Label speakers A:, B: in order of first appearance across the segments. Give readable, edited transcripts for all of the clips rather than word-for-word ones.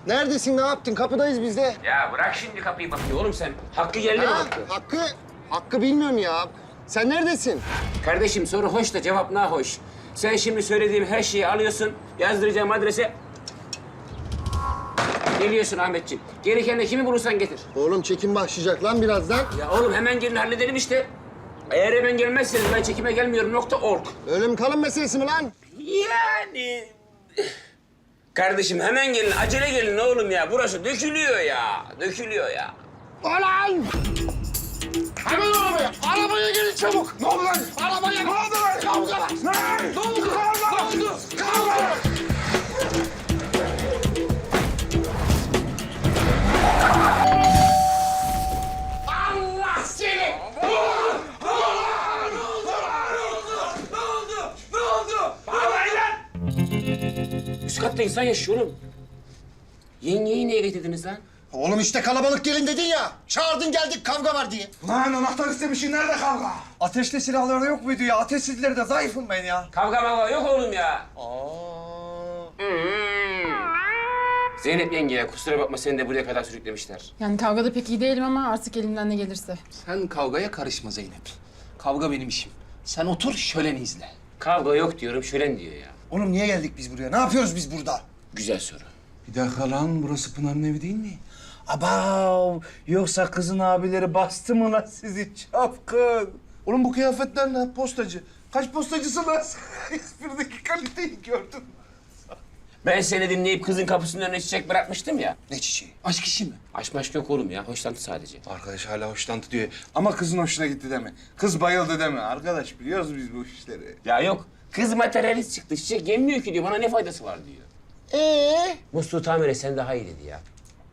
A: Neredesin, ne yaptın? Kapıdayız biz de.
B: Ya bırak şimdi kapıyı bakıyor oğlum sen. Hakkı geldi mi
A: Ha,
B: Hakkı?
A: Hakkı bilmiyorum ya. Sen neredesin?
B: Kardeşim soru hoş da cevap nahoş. Sen şimdi söylediğim her şeyi alıyorsun, yazdıracağım adrese... Geliyorsun Ahmetciğim. Gereken de kimi bulursan getir.
A: Oğlum çekim başlayacak lan birazdan.
B: Ya oğlum hemen gelin halledelim işte. Eğer hemen gelmezseniz ben çekime gelmiyorum.org.
A: Ölüm kalım meselesi mi lan?
B: Yani... Kardeşim hemen gelin, acele gelin oğlum ya. Burası dökülüyor ya, dökülüyor ya.
A: Ulan! Hemen arabaya! Arabaya gelin çabuk! Ne oldu lan? Arabaya! Ne oldu lan? Kavga var! Ne oldu? Kavga! Ne oldu? Kavga! Allah seni!
B: Üst katta insan yaşıyor oğlum. Yengeyi niye getirdiniz lan?
A: Oğlum işte kalabalık gelin dedin ya. Çağırdın geldik kavga var diye.
C: Lan anahtar istemişsin, nerede kavga? Ateşli silahları yok muydu ya? Ateşsizleri de zayıfım ben ya.
B: Kavga mavga yok oğlum ya. Zeynep yengeye kusura bakma seni de buraya kadar sürüklemişler.
D: Yani kavgada pek iyi değilim ama artık elimden ne gelirse.
E: Sen kavgaya karışma Zeynep. Kavga benim işim. Sen otur şöleni izle.
B: Kavga yok diyorum, şölen diyor ya.
C: Oğlum niye geldik biz buraya? Ne yapıyoruz biz burada?
B: Güzel soru.
F: Bir dakika lan, burası Pınar'ın evi değil mi?
C: Abav! Yoksa kızın abileri bastı mı lan sizi çapkın?
F: Oğlum bu kıyafetler ne? Postacı. Kaç postacısın lan? Esprideki kaliteyi gördün mü?
B: Ben seni dinleyip kızın kapısının önüne çiçek bırakmıştım ya.
F: Ne çiçeği?
E: Aşk işi mi?
B: Aşk maşk yok oğlum ya, hoşlantı sadece.
F: Arkadaş hala hoşlantı diyor. Ama kızın hoşuna gitti deme. Kız bayıldı deme. Arkadaş biliyoruz biz bu işleri.
B: Ya yok, kız materyalist çıktı, çiçek yemiyor ki diyor, bana ne faydası var diyor. Musluğu tamir et, sen daha iyi dedi ya.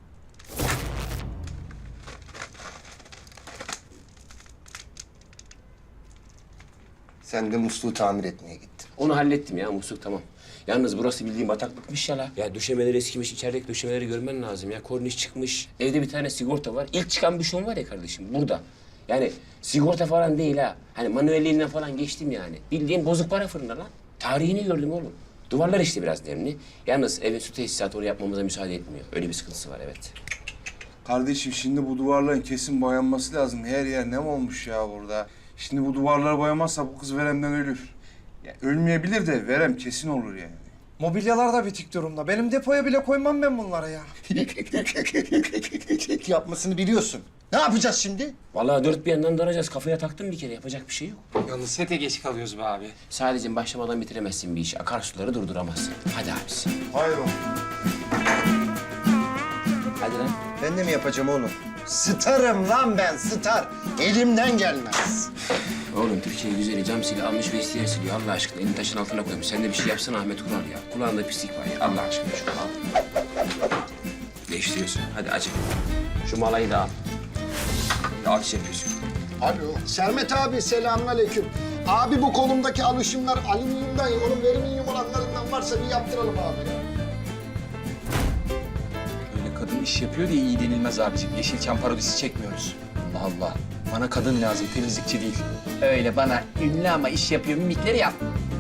A: Sen de musluğu tamir etmeye gittin.
B: Onu hallettim ya, musluk tamam. Yalnız burası bildiğin bataklıkmış ya la. Ya döşemeleri eskimiş, içerideki döşemeleri görmen lazım ya. Korniş çıkmış, evde bir tane sigorta var. İlk çıkan büşon var ya kardeşim, burada. Yani sigorta falan değil ha. Hani manuelliğinden falan geçtim yani. Bildiğin bozuk para fırında lan. Tarihini gördüm oğlum. Duvarlar işte biraz nemli. Yalnız evin su tesisatı oraya yapmamıza müsaade etmiyor. Öyle bir sıkıntısı var, evet.
F: Kardeşim şimdi bu duvarların kesin boyanması lazım. Her yer nem olmuş ya burada. Şimdi bu duvarları boyamazsa bu kız veremden ölür. Ya ölmeyebilir de verem kesin olur yani.
C: Mobilyalar da bitik durumda. Benim depoya bile koymam ben bunları ya.
A: Yapmasını biliyorsun. Ne yapacağız şimdi?
B: Vallahi dört bir yandan daracağız. Kafaya taktım bir kere, yapacak bir şey yok.
E: Yalnız sete geç kalıyoruz be abi.
B: Sadece başlamadan bitiremezsin bir işi. Akarsuları durduramazsın. Hadi abisi.
F: Hayır o.
B: Hadi lan.
A: Ben de mi yapacağım oğlum? Starım lan ben, star. Elimden gelmez.
B: Oğlum Türkiye güzeli cam sili almış ve isteyen siliyor Allah aşkına. Elini taşın altına koymuş. Sen de bir şey yapsana Ahmet Kural ya. Kulağında pislik var ya. Allah aşkına şunu al. Değiştiriyorsun. Hadi acı. Şu malayı da al. Alkış yapıyorsun.
A: Alo. Sermet abi selamünaleyküm. Abi bu kolumdaki alışımlar alüminyumdan, oğlum veriminyum olanlarından varsa bir yaptıralım abi ya.
E: Öyle kadın iş yapıyor diye iyi denilmez abiciğim. Yeşilçam parodisi çekmiyoruz. Allah Allah. Bana kadın lazım, temizlikçi değil. Öyle bana ünlü ama iş yapıyor mimikleri yap.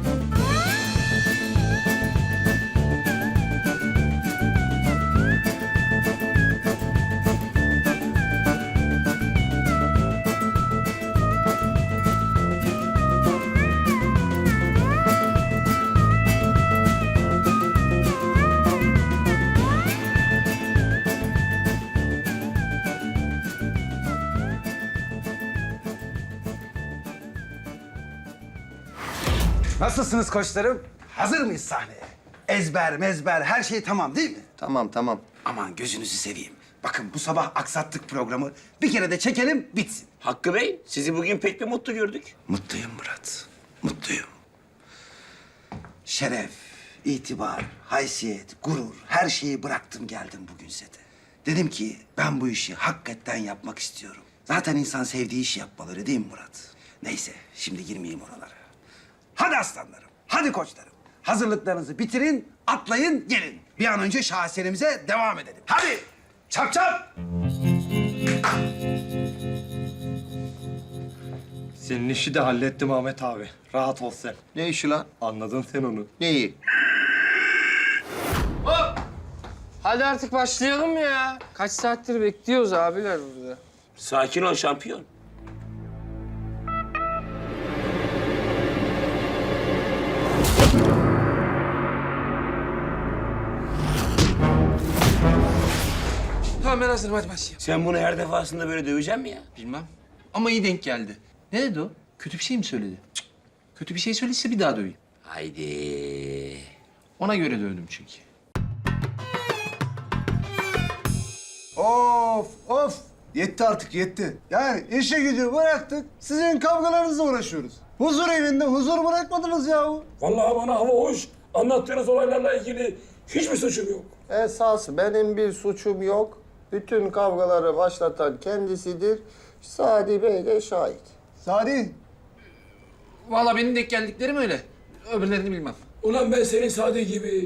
C: Nasılsınız koçlarım? Hazır mıyız sahneye? Ezber, mezber, her şey tamam değil mi?
A: Tamam.
C: Aman gözünüzü seveyim. Bakın bu sabah aksattık programı. Bir kere de çekelim, bitsin.
B: Hakkı Bey, sizi bugün pek bir mutlu gördük.
C: Mutluyum Murat, mutluyum. Şeref, itibar, haysiyet, gurur, her şeyi bıraktım geldim bugün sete. Dedim ki ben bu işi hakikaten yapmak istiyorum. Zaten insan sevdiği işi yapmalı öyle değil mi Murat? Neyse, şimdi girmeyeyim oralara. Hadi aslanlarım, hadi koçlarım. Hazırlıklarınızı bitirin, atlayın, gelin. Bir an önce şaheserimize devam edelim. Hadi, çap çap.
G: Senin işi de hallettim Ahmet abi. Rahat ol sen.
A: Ne işi lan?
G: Anladın sen onu.
A: Neyi?
E: Hadi artık başlayalım ya. Kaç saattir bekliyoruz abiler burada.
B: Sakin ol şampiyon.
E: Tamam ben hazırım hadi başlayalım.
B: Sen bunu her defasında böyle döveceksin mi ya?
E: Bilmem ama iyi denk geldi. Ne dedi o? Kötü bir şey mi söyledi? Cık. Kötü bir şey söylediyse bir daha döveyim.
B: Haydi.
E: Ona göre dövdüm çünkü.
F: Of of. Yetti artık yetti. Yani işe gücü bıraktık. Sizin kavgalarınızla uğraşıyoruz. Huzur evinde huzur bırakmadınız yahu.
H: Vallahi bana hava hoş. Anlattığınız olaylarla ilgili hiçbir suçum yok.
I: Esas benim bir suçum yok. Bütün kavgaları başlatan kendisidir. Sadi Bey de şahit.
F: Sadi.
E: Vallahi benim denk geldiklerim öyle. Öbürlerini bilmem.
H: Ulan ben senin Sadi gibi.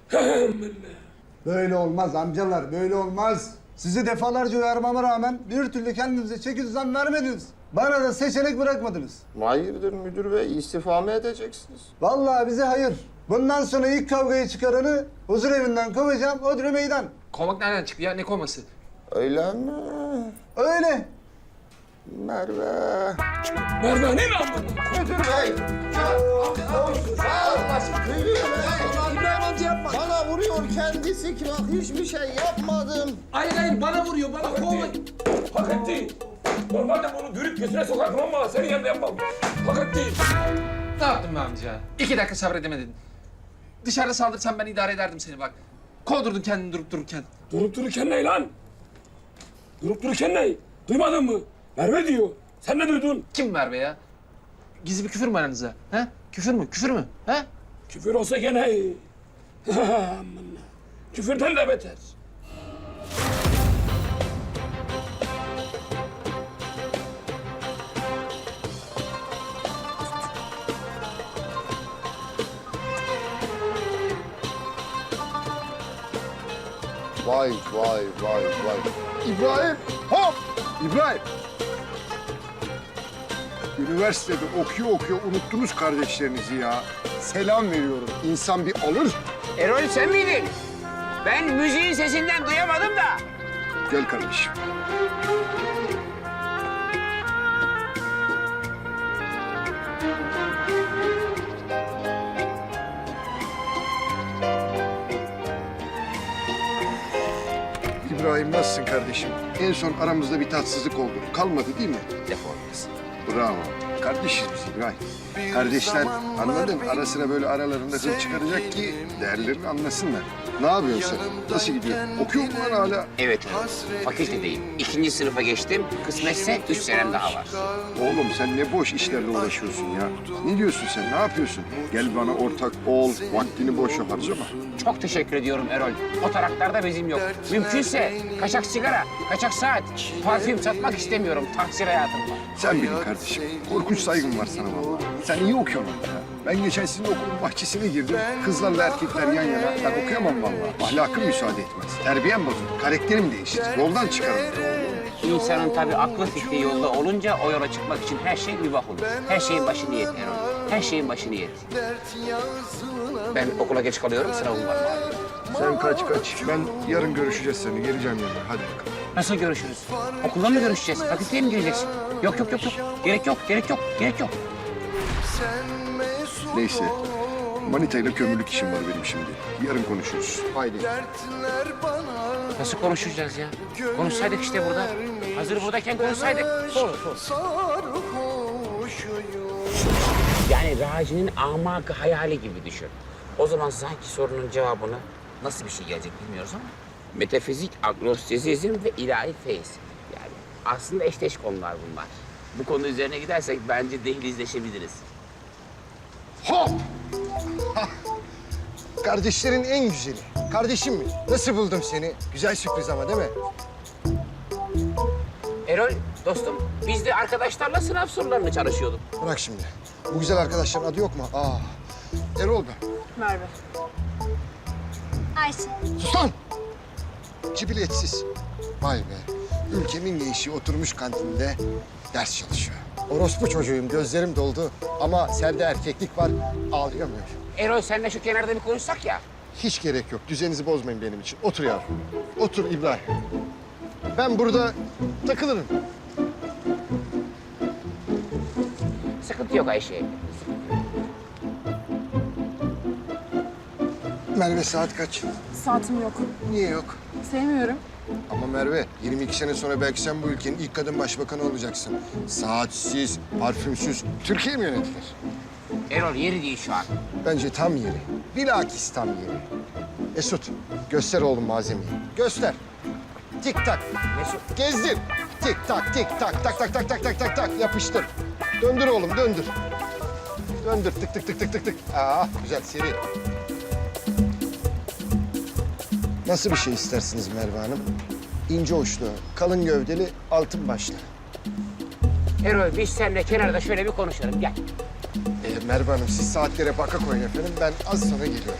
F: Böyle olmaz amcalar, böyle olmaz. Sizi defalarca uyarmama rağmen bir türlü kendinize çeki düzen vermediniz. Bana da seçenek bırakmadınız.
I: Hayırdır müdür bey, istifa mı edeceksiniz?
F: Vallahi bize hayır. Bundan sonra ilk kavgayı çıkaranı huzur evinden kovacağım, Odri meydan.
E: Kovmak nereden çıktı ya? Ne kovması?
I: Öyle mi?
F: Öyle.
I: Merve.
H: Merve ne lan bu?
I: Müdür bey. İbrahim amca yapma. Bana vuruyor kendisi ki bak hiçbir şey yapmadım.
H: Hayır bana vuruyor bana kovmayın. Hak etti. Normalde bunu dürüp gözüne sokardım ama senin yanında yapmam. Hak etti.
E: Ne yaptın be amca? 2 dakika sabredemedin. Dışarıda saldırsan ben idare ederdim seni bak. Kovdurdun kendini durup dururken.
H: Durup dururken ne lan? Durup dururken ne? Duymadın mı? Merve diyor. Sen ne duydun?
E: Kim Merve ya? Gizli bir küfür mü aranızda? Ha? Küfür mü? Küfür mü? Ha?
H: Küfür olsa gene iyi. Aman. Küfürden de beter.
I: Vay vay vay vay. İbrahim hop!
J: İbrahim. Üniversitede okuyor unuttunuz kardeşlerinizi ya. Selam veriyorum. İnsan bir alır.
B: Erol sen miydin? Ben müziğin sesinden duyamadım da.
J: Gel kardeşim. İbrahim nasılsın kardeşim? En son aramızda bir tatsızlık oldu. Kalmadı değil mi?
B: Defolmasın.
J: Bravo. Kardeşiz biz İbrahim. Kardeşler anladın ara sıra böyle aralarında hır çıkaracak ki değerlerini anlasınlar. Ne yapıyorsun sen? Nasıl gidiyor? Okuyor musun lan hala?
B: Evet, fakültedeyim. 2. sınıfa geçtim. Kısmetse 3 senem daha var.
J: Oğlum sen ne boş işlerle uğraşıyorsun ya. Ne diyorsun sen? Ne yapıyorsun? Gel bana ortak ol. Vaktini boşa harcama.
B: Çok teşekkür ediyorum Erol. O taraklarda bezim yok. Mümkünse kaçak sigara, kaçak saat, parfüm satmak istemiyorum. Tahsil hayatım var.
J: Sen bilin kardeşim. Korkunç saygım var sana vallahi. Sen iyi okuyorsun ya. Ben geçen sizin okulun bahçesine girdim. Kızlarla erkekler yan yana. Ben okuyamam vallahi. Ahlakım müsaade etmez. Terbiyem bozulur. Karakterim değişir. Yoldan çıkarım.
B: İnsanın tabii aklı fikri yolda olunca o yola çıkmak için her şey mübah olur. Her şeyin başı niyet Erol. Her şeyin başı niyet. Ben okula geç kalıyorum, sınavım var.
J: Sen kaç. Ben yarın görüşeceğiz seni. Geleceğim yanına. Hadi bakalım.
B: Nasıl görüşürüz? Okulda mı görüşeceğiz? Fakülteye mi gireceksin? Yok. Gerek yok.
J: Neyse. Manitayla kömürlük işim var benim şimdi. Yarın konuşuruz. Haydi.
B: Nasıl konuşacağız ya? Konuşsaydık işte burada. Hazır buradayken konuşsaydık. Sor. Yani Raci'nin amakı hayali gibi düşün. O zaman sanki sorunun cevabını nasıl bir şey gelecek bilmiyoruz ama. Metafizik, agnostizizm ve ilahi feyiz. Yani aslında eşdeş konular bunlar. Bu konu üzerine gidersek bence dehlizleşebiliriz.
J: Hop! Kardeşlerin en güzeli. Kardeşim mi? Nasıl buldum seni? Güzel sürpriz ama değil mi?
B: Erol, dostum, biz de arkadaşlarla sınav sorularını çalışıyorduk.
J: Bırak şimdi. Bu güzel arkadaşların adı yok mu? Erol ben.
K: Merve. Ayşe.
J: Sus lan! Cibiletsiz. Vay be. Ülkemin gençliği oturmuş kantinde ders çalışıyor. Orospu çocuğuyum, gözlerim doldu. Ama sende erkeklik var, ağlayamıyorum.
B: Erol, seninle şu kenarda bir konuşsak ya.
J: Hiç gerek yok. Düzeninizi bozmayın benim için. Otur yavrum. Otur İbrahim. Ben burada takılırım.
B: Sıkıntı yok Ayşe.
J: Merve saat kaç?
D: Saatim yok.
J: Niye yok?
D: Sevmiyorum.
J: Ama Merve, 22 sene sonra belki sen bu ülkenin ilk kadın başbakanı olacaksın. Saatsiz, parfümsüz Türkiye mi yönetilir?
B: Erol yeri değil şu an.
J: Bence tam yeri. Bilakis tam yeri. Mesut, göster oğlum malzemeyi. Göster. Tik tak.
B: Mesut.
J: Gezdir. Tik tak, tik tak, tak tak tak tak tak tak tak. Yapıştır. Döndür oğlum, döndür. Döndür, tık tık tık tık tık tık. Aa, güzel, seri. Nasıl bir şey istersiniz Merve Hanım? İnce uçlu, kalın gövdeli, altın başlı.
B: Erol biz seninle kenarda şöyle bir konuşalım gel.
J: Merve Hanım, siz saatlere baka koyun efendim. Ben az sonra geliyorum.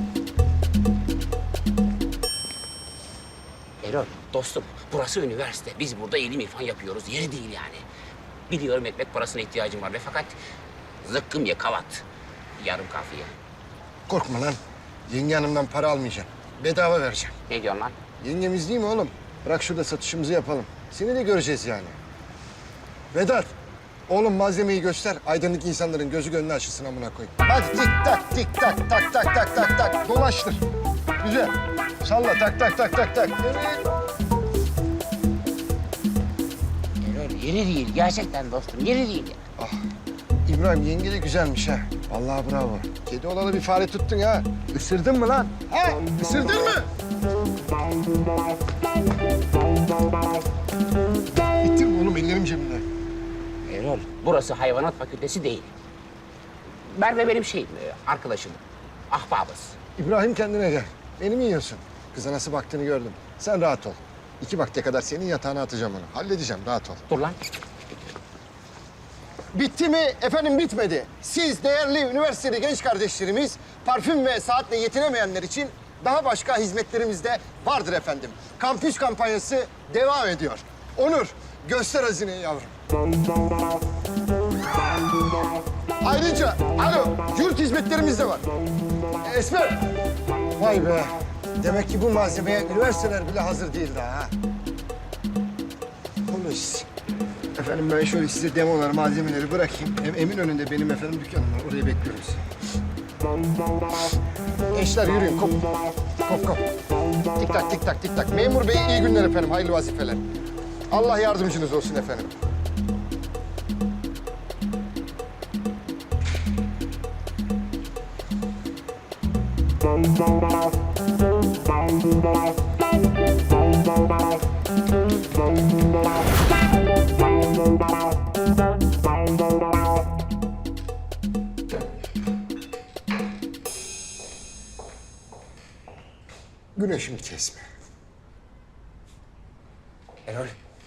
B: Erol dostum burası üniversite. Biz burada ilim irfan yapıyoruz. Yeri değil yani. Biliyorum ekmek parasına ihtiyacım var ve fakat zıkkım ye kavat. Yarım kafiye.
J: Korkma lan. Yenge hanımdan para almayacağım. Bedava vereceğim.
B: Ne diyorsun lan?
J: Yengemiz değil mi oğlum? Bırak şurada satışımızı yapalım. Seni de göreceğiz yani. Vedat, oğlum malzemeyi göster. Aydınlık insanların gözü gönlü açılsın amına koyayım. Hadi tik tak, tik tak, tak tak tak tak tak. Dolaştır. Güzel. Salla tak tak tak tak tak. Evet.
B: Erol yeri değil gerçekten dostum yeri değil.
J: İbrahim yenge de güzelmiş ha. Vallahi bravo. Kedi olalı bir fare tuttun ha. Isırdın mı lan? Ha? Isırdın mı? İttirme oğlum ellerim cebimde.
B: Erol burası hayvanat fakültesi değil. Merve benim arkadaşım. Ahbabız.
J: İbrahim kendine gel. Beni mi yiyorsun? Kıza nasıl baktığını gördüm. Sen rahat ol. 2 vakte kadar senin yatağına atacağım onu. Halledeceğim, rahat ol.
B: Dur lan.
J: Bitti mi? Efendim bitmedi. Siz değerli üniversiteli genç kardeşlerimiz parfüm ve saatle yetinemeyenler için daha başka hizmetlerimiz de vardır efendim. Kampüs kampanyası devam ediyor. Onur, göster hazineyi yavrum. Ayrıca, alo, yurt hizmetlerimiz de var. Esmer. Vay be. Demek ki bu malzemeye üniversiteler bile hazır değil daha ha. Polis. Efendim ben şöyle size demolar, malzemeleri bırakayım. Hem Eminönü'nde benim efendim dükkanım var. Oraya bekliyoruz. Gençler yürüyün. Kop. Kop kop. Tik tak tik tak tik tak. Memur bey iyi günler efendim. Hayırlı vazifeler. Allah yardımcınız olsun efendim. Güneşimi kesme.
B: Erol.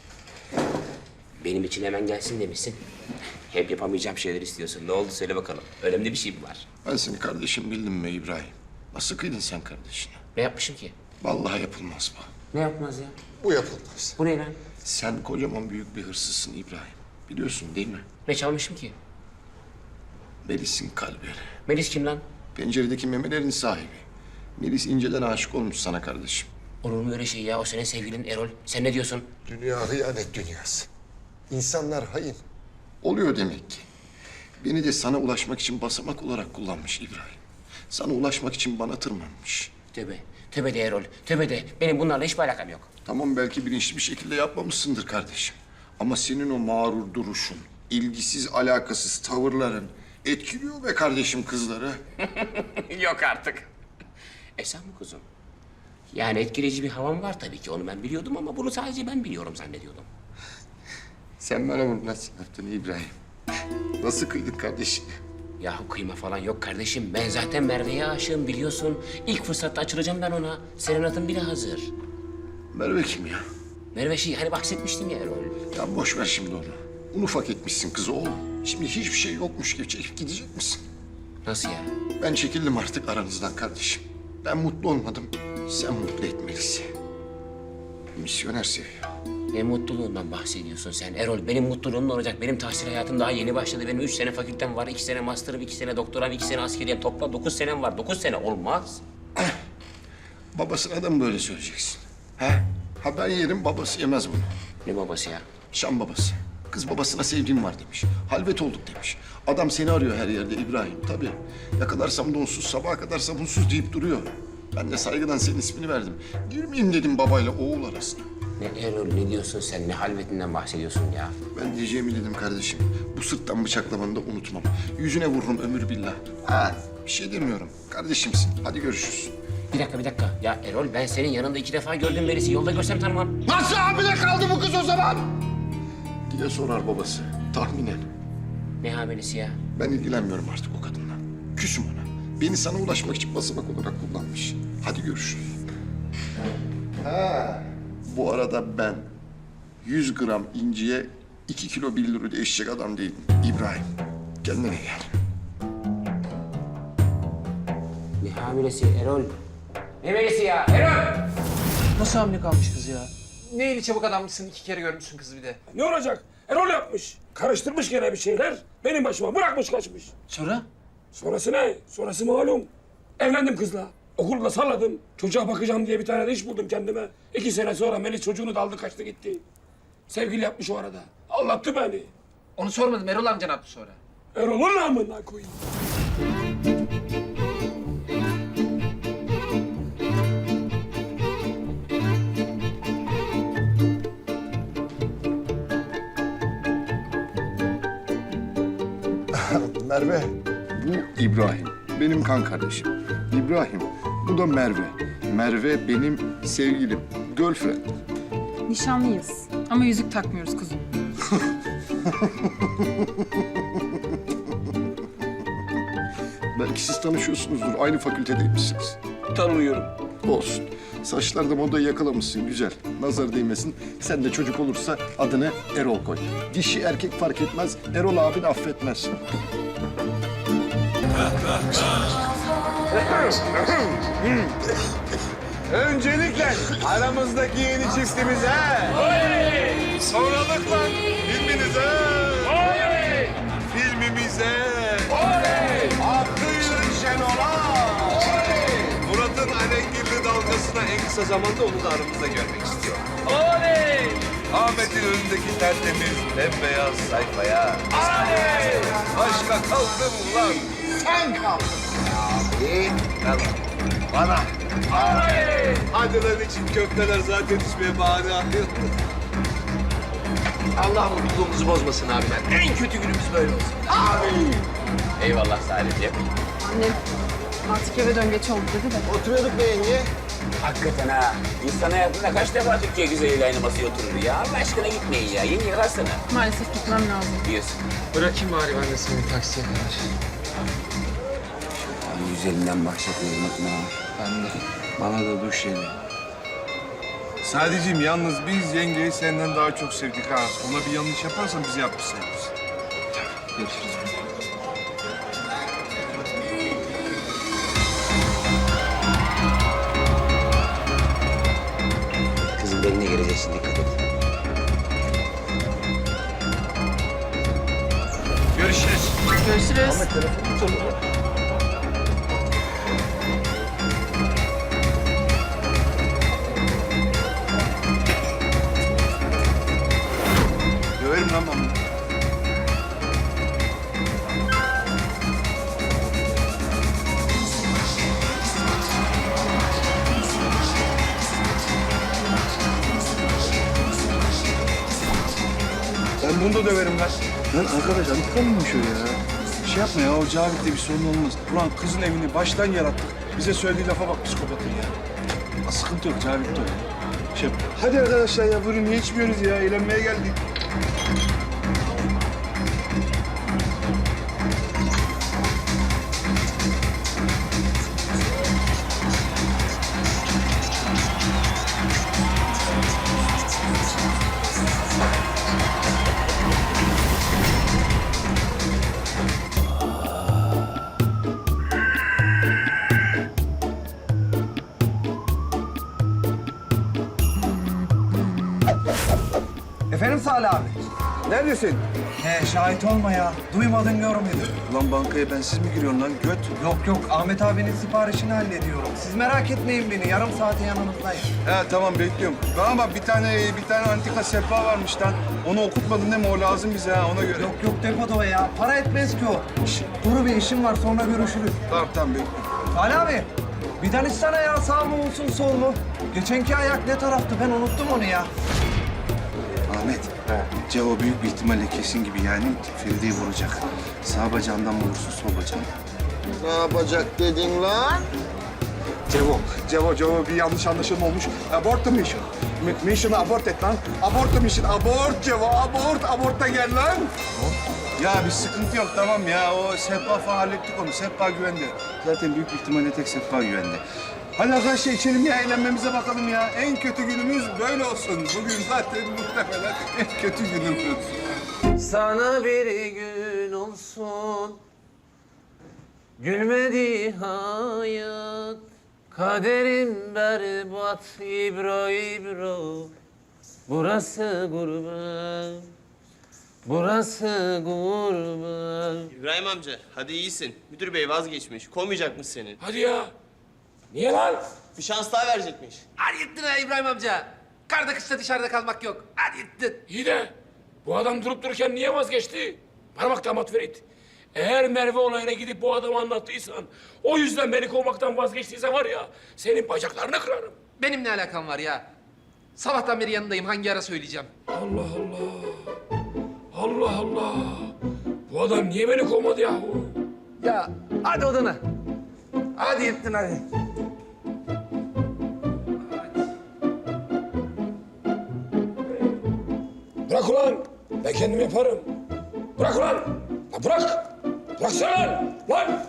B: Benim için hemen gelsin demişsin. Hep yapamayacağım şeyler istiyorsun. Ne oldu söyle bakalım. Önemli bir şey mi var?
C: Ben seni kardeşim bildim mi İbrahim? Nasıl kıydın sen kardeşine?
B: Ne yapmışım ki?
C: Vallahi yapılmaz bu.
B: Ne yapmaz ya?
J: Bu yapılmaz.
B: Bu ne lan?
C: Sen kocaman büyük bir hırsızsın İbrahim. Biliyorsun değil mi?
B: Ne çalmışım ki?
C: Melis'in kalbini.
B: Melis kim lan?
C: Penceredeki memelerin sahibi. Melis inceden aşık olmuş sana kardeşim.
B: Olur mu öyle şey ya? O senin sevgilin Erol. Sen ne diyorsun?
J: Dünya hıyanet dünyası. İnsanlar hain.
C: Oluyor demek ki. Beni de sana ulaşmak için basamak olarak kullanmış İbrahim. Sana ulaşmak için bana tırmanmış.
B: Tövbe. Tövbe de Erol. Tövbe de. Benim bunlarla hiçbir alakam yok.
C: Tamam belki bilinçli bir şekilde yapmamışsındır kardeşim. Ama senin o mağrur duruşun, ilgisiz alakasız tavırların etkiliyor be kardeşim kızları.
B: Yok artık. Sen mi kuzum? Yani etkileyici bir havan var tabii ki. Onu ben biliyordum ama bunu sadece ben biliyorum zannediyordum.
C: Sen bana bunu nasıl yaptın İbrahim? Nasıl kıydın kardeşim?
B: Yahu kıyma falan yok kardeşim. Ben zaten Merve'ye aşığım biliyorsun. İlk fırsatta açılacağım ben ona. Serenat'ın bile hazır.
C: Merve kim ya?
B: Merve hani bahsetmiştim ya Erol.
C: Ya boş ver şimdi onu. Un ufak etmişsin kızı oğlum. Şimdi hiçbir şey yokmuş gibi çekip gidecek misin?
B: Nasıl ya?
C: Ben çekildim artık aranızdan kardeşim. Ben mutlu olmadım. Sen mutlu etmelisin. Misyoner seviyor.
B: Ne mutluluğundan bahsediyorsun sen Erol? Benim mutluluğum ne olacak? Benim tahsil hayatım daha yeni başladı. Benim 3 sene fakültem var, 2 sene master'ım, 2 sene doktoram, 2 sene askeriyem. Toplam 9 senem var. 9 sene olmaz.
J: Babasına da mı böyle söyleyeceksin? He? Ha ben yerim, babası yemez bunu.
B: Ne babası ya?
J: Şam babası. Kız babasına sevdiğim var demiş. Halvet olduk demiş. Adam seni arıyor her yerde İbrahim. Tabii. Yakalarsam donsuz, sabaha kadar sabunsuz deyip duruyor. Ben de saygıdan senin ismini verdim. Girmeyeyim dedim babayla oğul arasına.
B: Ne Erol, ne diyorsun sen? Ne halvetinden bahsediyorsun ya?
J: Ben diyeceğimi dedim kardeşim. Bu sırttan bıçaklamanı da unutmam. Yüzüne vururum ömür billah. Ha, bir şey demiyorum. Kardeşimsin. Hadi görüşürüz.
B: Bir dakika. Ya Erol, ben senin yanında 2 defa gördüm Melis'i. Yolda görsem tanımam.
A: Nasıl hamile kaldı bu kız o zaman?
J: Diye sorar babası. Tahminen.
B: Ne hamilesi ya?
J: Ben ilgilenmiyorum artık o kadınla. Küsüm ona. Beni sana ulaşmak için basamak olarak kullanmış. Hadi görüşürüz. Ha. Bu arada ben 100 gram inciye 2 kilo 1 lira değişecek adam değilim. İbrahim, kendine gel.
B: Ne hamilesi Erol? Ne Melis'i ya? Erol!
E: Nasıl hamile kalmış kız ya? Ne eli çabuk adammışsın, 2 kere görmüşsün kızı bir de.
H: Ne olacak? Erol yapmış. Karıştırmış gene bir şeyler. Benim başıma bırakmış kaçmış.
E: Sonra?
H: Sonrası ne? Sonrası malum. Evlendim kızla. Okulda salladım. Çocuğa bakacağım diye bir tane de iş buldum kendime. 2 sene sonra Melis çocuğunu da aldı kaçtı gitti. Sevgili yapmış o arada. Anlattı beni.
E: Onu sormadım, Erol amca ne yaptı sonra?
H: Erol'un namına koyayım.
J: Merve, bu İbrahim. Benim kan kardeşim. İbrahim, bu da Merve. Merve benim sevgilim, girlfriend.
D: Nişanlıyız ama yüzük takmıyoruz kuzum.
J: Belki siz tanışıyorsunuzdur, aynı fakültedeymişsiniz.
H: Tanımıyorum.
J: Olsun. Saçlarda modayı yakalamışsın, güzel. Nazar değmesin. Sen de çocuk olursa adını Erol koy. Dişi erkek fark etmez, Erol abin affetmez.
F: Öncelikle aramızdaki yeni çiftimize. Sonralıkla filminize. Filmimize. Hakkı yürü Şenol'a. Murat'ın alengirli dalgasına en kısa zamanda onu da aramızda görmek istiyorum. Ahmet'in önündeki tertemiz bembeyaz sayfaya. Aşka kaldım ulan. Sen kaldın. Tamam. Bana. Hadi lan için köfteler zaten içmeye bahane arıyor.
E: Allah mutluluğumuzu bozmasın abi ben. En kötü günümüz böyle olsun.
B: Eyvallah Salih'ciğim.
D: Annem artık eve dön geç oldu dedi de.
I: Oturuyorduk be yenge.
B: Hakikaten ha. İnsan hayatında kaç defa Türkiye güzeliyle aynı masaya oturur ya? Allah aşkına gitmeyin ya. Yeni yararsana
D: Maalesef gitmem lazım.
B: diyorsun.
E: Bırakayım bari ben de seni taksiye kadar.
B: Güzelinden bahsetmeyin unutma.
E: Ben de.
F: Bana da duş yedi. Sadece yalnız biz yengeyi senden daha çok sevdik ha. Ona bir yanlış yaparsan bizi yapmış sayılırız.
E: Görüşürüz.
B: Kızın beline geleceksin dikkat et.
F: Görüşürüz.
D: Görüşürüz.
F: Döverim lan ben bunu. Ben bunu da döverim lan. Lan arkadaş antikan mıymış o ya? Şey yapma ya, o Cavit'le bir sorun olmaz. Ulan kızın evini baştan yarattık. Bize söylediği lafa bak psikopatın ya. Sıkıntı yok, Cavit de o. Şey, hadi arkadaşlar ya, buyurun niye içmiyoruz ya? Eğlenmeye geldik.
G: Efendim Salih abi.
F: Neredesin?
G: He şahit olma ya. Duymadın görmedin.
F: Ulan bankaya bensiz mi giriyorsun lan göt?
G: Yok yok Ahmet abinin siparişini hallediyorum. Siz merak etmeyin beni. Yarım saate yanınızdayım.
F: He tamam bekliyorum. Bana bak bir tane antika sehpa varmış lan. Onu okutmadın değil mi? O lazım bize ha ona göre.
G: Yok yok depoda o ya. Para etmez ki o. Şişt, Duru bir işim var sonra görüşürüz.
F: Tamam bekliyorum.
G: Ali abi bir danışsana ya sağ mı olsun sol mu? Geçenki ayak ne taraftı ben unuttum onu ya.
F: Ahmet. Cevo büyük bir ihtimalle kesin gibi yani Feride'yi vuracak. Sağ bacağından mı vursun sol bacağından?
I: Ne yapacak dedin lan?
J: Cevo bir yanlış anlaşılma olmuş. Abort the mission. Mission'ı abort et lan. Abort the mission. Abort Cevo, abort da gel lan.
F: Ya bir sıkıntı yok tamam ya. O sehpa falan hallettik onu. Sehpa güvende. Zaten büyük bir ihtimalle tek sehpa güvende. Hadi arkadaşlar içelim ya, eğlenmemize bakalım ya. En kötü günümüz böyle olsun. Bugün zaten muhtemelen en kötü günümüz.
K: Sana bir gün olsun gülmedi hayat, kaderim berbat ibro ibro. Burası gurbet, burası gurbet.
L: İbrahim amca, hadi iyisin. Müdür bey vazgeçmiş. Kovmayacakmış seni.
H: Hadi ya. Niye lan?
L: Bir şans daha verecekmiş.
E: Hadi gittin ha İbrahim amca. Karda kışta dışarıda kalmak yok. Hadi gittin.
H: İyi de bu adam durup dururken niye vazgeçti? Bana bak damat Ferit. Eğer Merve olayına gidip bu adamı anlattıysan, o yüzden beni kovmaktan vazgeçtiyse var ya, senin bacaklarını kırarım.
E: Benim ne alakam var ya? Sabahtan beri yanındayım. Hangi ara söyleyeceğim?
H: Allah Allah. Allah Allah. Bu adam niye beni kovmadı yahu?
E: Ya hadi odana. Hadi gittin hadi.
H: Bırak ulan. Ben kendim yaparım. Bırak ulan. Ya bırak. Bıraksana lan. Lan.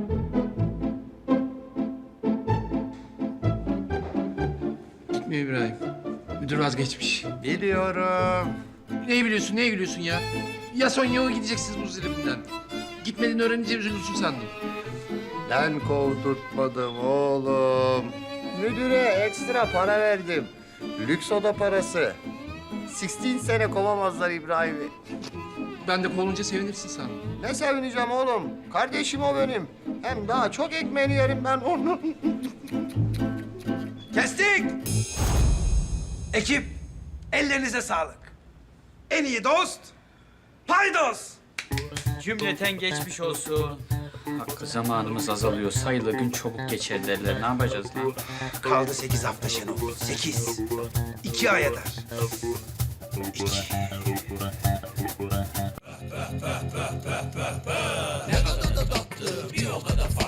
E: Gitmiyor İbrahim. Müdür vazgeçmiş.
I: Biliyorum.
E: Neyi biliyorsun, neye gülüyorsun ya? Ya son yolu gideceksiniz bu zilibinden. Gitmediğini öğrenince üzülürsün sandım.
I: Ben kovdurtmadım oğlum. Müdüre ekstra para verdim. Lüks oda parası. 16 sene kovamazlar İbrahim'i.
E: Ben de kovulunca sevinirsin sandım.
I: Ne sevineceğim oğlum. Kardeşim o benim. Hem daha çok ekmeğini yerim ben onun.
G: Kestik. Ekip ellerinize sağlık. En iyi dost paydos.
K: Cümleten geçmiş olsun. Hakkı zamanımız azalıyor. Sayılı gün çabuk geçer derler. Ne yapacağız lan?
G: Kaldı 8 hafta Şenol. 8. 2 ay eder. 2.
H: Ne kadar da tatlı, bir o kadar